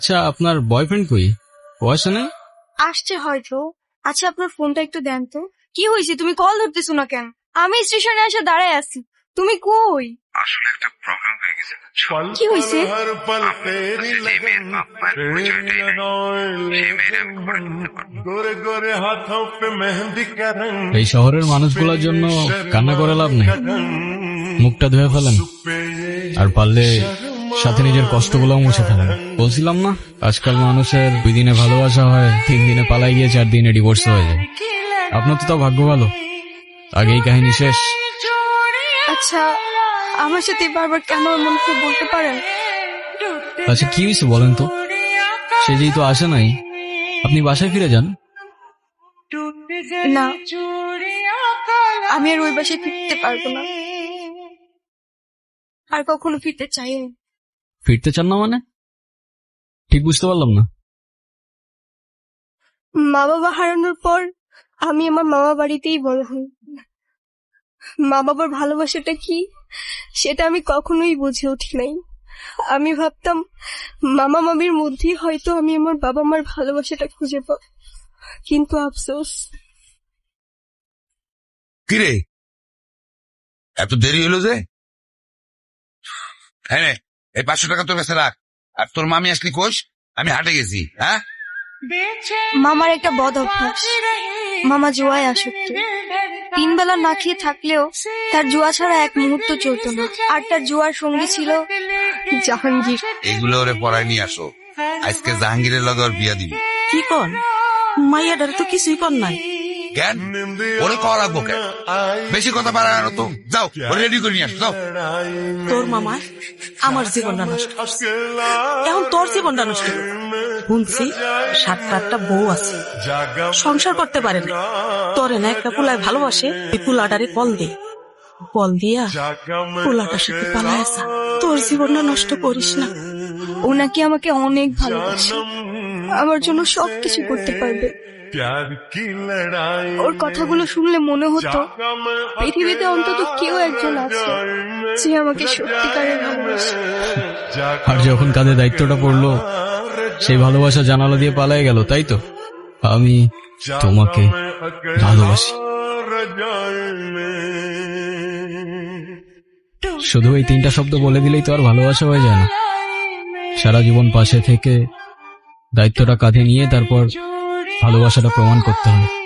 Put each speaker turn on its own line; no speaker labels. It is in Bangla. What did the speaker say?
আচ্ছা, আপনার বয়ফ্রেন্ড কই? ও আসে নাই?
আসছে হয়তো। আচ্ছা, আপনার ফোনটা একটু দেন তো। কি হয়েছে, তুমি কল ধরতেছো না কেন? আমি স্টেশনে এসে দাঁড়ায় আছি, তুমি কই?
আসলে একটা প্রবলেম হয়ে গেছে।
কি হয়েছে?
এই শহরের মানুষগুলোর জন্য কান্না করে লাভ নেই, মুখটা ধুয়ে ফেলেন, আর পারলে সাথে নিজের কষ্টগুলো মুছে ফেলেন। বলছিলাম না, আজকাল মানুষের 2 দিনে ভালোবাসা হয়, 3 দিনে পালাই গিয়ে 4 দিনে ডিভোর্স হয়ে যায়। আপনার তো তাও ভাগ্য ভালো, আগেই কাহিনী শেষ।
আচ্ছা, আমার সাথে বারবার কেন এমন করে বলতে পারেন?
আচ্ছা, কি হয়েছে বলেন তো? সে যেই তো আসে নাই, আপনি বাসায় ফিরে যান।
না, আমি আর ওই বাসায় ফিরতে পারবো না, আর কখনো ফিরতে চাই না।
ফিরতে চান না মানে? ঠিক বুঝতে পারলাম না।
মা বাবা হারানোর পর আমি আমার মামা বাড়িতেই বড় হই। মা বাবার ভালোবাসাটা কি সেটা আমি কখনোই বুঝে উঠি নাই। আমি ভাবতাম মামা মামির মধ্যেই হয়তো আমি আমার বাবা মার ভালোবাসাটা খুঁজে পাব, কিন্তু আফসোস।
কিরে, এত দেরি হলো যে? হ্যাঁ, এই 500 টাকা তোর কাছে রাখ। আর তোর মামি আসলি কোষ? আমি হাটে গেছি। হ্যাঁ,
মামার একটা বদ অভ্যাস, মামা জুয়ায় আসক্ত। 3 বেলা না খেয়ে থাকলেও তার জুয়া ছাড়া এক মুহূর্ত চলতো না। আর তার জুয়ার সঙ্গী ছিল জাহাঙ্গীর।
এগুলো ওরে পড়ায় নিয়ে আসো, আজকে জাহাঙ্গীরের লগে ওর বিয়া দিবি।
কি কন মাইয়াডার তো কিছুই কর নাই।
কেন ওরে কল রাখবো? কেন বেশি কথা পারা না তো? যাও, ওরে রেডি করে নিয়ে আসো, যাও।
তোর মামা আমার জীবনটা নষ্ট, এখন তোর জীবনটা নষ্ট। শুনছি 7-8টা বউ আছে, সংসার করতে পারে না। তোরে না একটা পুলায় ভালোবাসে, এই পুলাটারে কল দে, কল দিয়া পুলাটার সাথে পালায় আসা। তোর জীবনটা নষ্ট করিস না।
ও নাকি আমাকে অনেক ভালোবাসে, আমার জন্য সবকিছু করতে পারবে। ওর কথাগুলো শুনলে মনে হতো পৃথিবীতে অন্তত কেউ একজন আছে যে আমাকে সত্যিকারের ভালোবাসে।
আর যখন কাঁধে দায়িত্বটা পড়লো, সেই ভালোবাসা জানালা দিয়ে পালায় গেল, তাই তো? আমি তোমাকে ভালোবাসি। শুধু এই 3টা শব্দ বলে দিলেই তো আর ভালোবাসা হয়ে যায় না। সারা জীবন পাশে থেকে দায়িত্বটা কাঁধে নিয়ে তারপর ভালোবাসাটা প্রমাণ করতে হবে।